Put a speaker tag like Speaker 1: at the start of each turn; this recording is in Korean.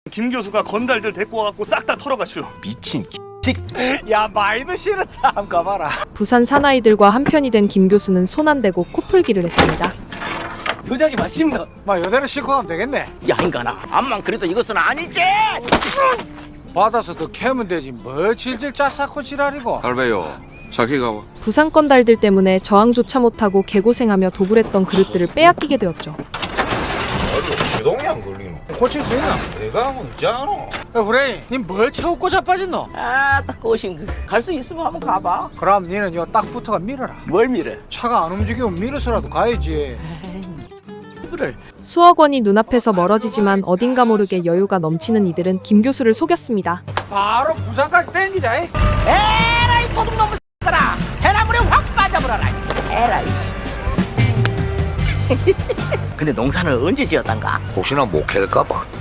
Speaker 1: 김 교수가 건달들 데리고 와갖고 싹 다 털어가시오.
Speaker 2: 미친
Speaker 3: 야 마이도 싫었다. 한번 가봐라.
Speaker 4: 부산 사나이들과 한편이 된 김 교수는 손 안 대고 코풀기를 했습니다.
Speaker 5: 도자기 맞습니다.
Speaker 3: 마 요대로 싣고 가면 되겠네.
Speaker 5: 야 인간아, 암만 그래도 이것은 아니지.
Speaker 3: 받아서 더 캐면 되지. 뭐 질질 짜싸고 지랄이고.
Speaker 2: 할배요 자기가 와.
Speaker 4: 부산 건달들 때문에 저항조차 못하고 개고생하며 도굴했던 그릇들을 빼앗기게 되었죠.
Speaker 6: 시동이 안 걸리노.
Speaker 3: 고칠 수 있나?
Speaker 6: 내가 하면 있잖아.
Speaker 3: 야 후레이 니뭘 채우고 자빠졌노?
Speaker 5: 아딱 꼬신 갈 수 있으면 한번 가봐.
Speaker 3: 그럼 니는 요 딱 붙어가 밀어라.
Speaker 5: 뭘 밀어?
Speaker 3: 차가 안 움직이면 밀어서라도 가야지.
Speaker 5: 그를
Speaker 4: 수억 원이 눈앞에서 멀어지지만 어딘가 모르게 여유가 넘치는 이들은 김 교수를 속였습니다.
Speaker 3: 바로 부산까지 땡기자.
Speaker 5: 에라이 도둑놈의 X들아, 해나물에 확 빠져버려라. 에라이. 근데 농사는 언제 지었단가?
Speaker 6: 혹시나 못 캘까봐.